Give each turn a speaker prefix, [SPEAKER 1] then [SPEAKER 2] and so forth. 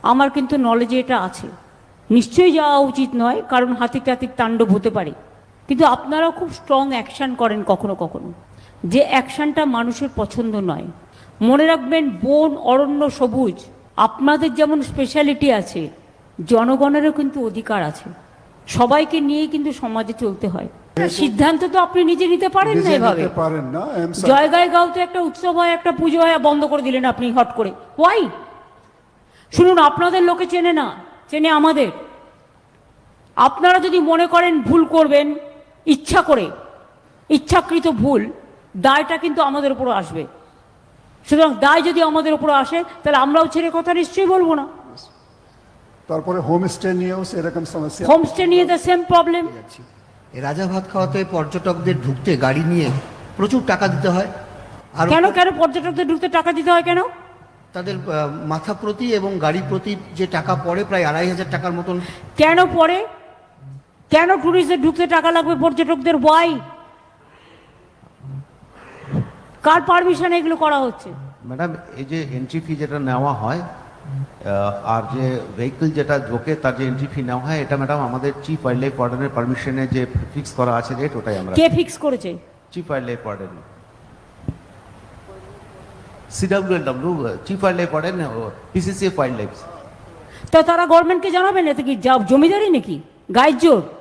[SPEAKER 1] আমার কিন্তু নলেজে এটা আছে। নিশ্চয়ই যাওয়া উচিত নয়, কারণ হাতি টাতির তাণ্ডব হতে পারে, কিন্তু আপনারাও খুব স্ট্রং অ্যাকশান করেন কখনো কখনো, যে অ্যাকশানটা মানুষের পছন্দ নয়। মনে রাখবেন, বন, অরণ্য, সবুজ আপনাদের যেমন স্পেশালিটি আছে, জনগণেরও কিন্তু অধিকার আছে। সবাইকে নিয়ে কিন্তু সমাজে চলতে হয়। সিদ্ধান্ত তো আপনি নিজে নিতে পারেন না এভাবে। জয়গায় গাও তো একটা উৎসব হয়, একটা পুজো হয়, বন্ধ করে দিলেন আপনি হট করে। ওয়াই? শুনুন, আপনাদের লোকে চেনে না, চেনে আমাদের। আপনারা যদি মনে করেন ভুল করবেন ইচ্ছা করে, ইচ্ছাকৃত ভুল, দায়টা কিন্তু আমাদের উপর আসবে। সুতরাং দায় যদি আমাদের উপর আসে, তাহলে আমরাও ছেড়ে কথা নিশ্চয়ই বলবো না।
[SPEAKER 2] তারপরে হোমস্টে নিয়েও সেরকম সমস্যা।
[SPEAKER 1] হোমস্টে নিয়ে দ্য সেম প্রবলেম।
[SPEAKER 3] রাজা ভাত খাওয়াতে পর্যটকদের ঢুকতে গাড়ি নিয়ে প্রচুর টাকা দিতে হয়। আর
[SPEAKER 1] কেন কেন পর্যটকদের ঢুকতে টাকা দিতে হয় কেন?
[SPEAKER 3] তাদের মাথা প্রতি এবং গাড়ি প্রতি যে টাকা পড়ে, প্রায় 2,500 টাকার মতন।
[SPEAKER 1] কেন পড়ে? কেন ট্যুরিস্টদের ঢুকতে টাকা লাগবে পর্যটকদের? ওয়াই? কার পারমিশনে এগুলো করা হচ্ছে?
[SPEAKER 4] ম্যাডাম, এই যে এন্ট্রি ফি যেটা নেওয়া হয় আর যে ভেহিকল যেটা ঢোকে তার যে এন্ট্রি ফি নেওয়া হয়, এটা ম্যাডাম আমাদের চিফ ওয়াইল্ড লাইফ ওয়ার্ডেনের পারমিশনে যে ফিক্স করা আছে রেট, ওটাই আমরা।
[SPEAKER 1] কে ফিক্স করেছে?
[SPEAKER 4] Chief wildlife warden, CWLW, chief wildlife warden, PCCF wildlife.
[SPEAKER 1] তো তারা গভর্নমেন্টকে জানাবেন, এতে কি জমিদারি নাকি, গায়ের জোর?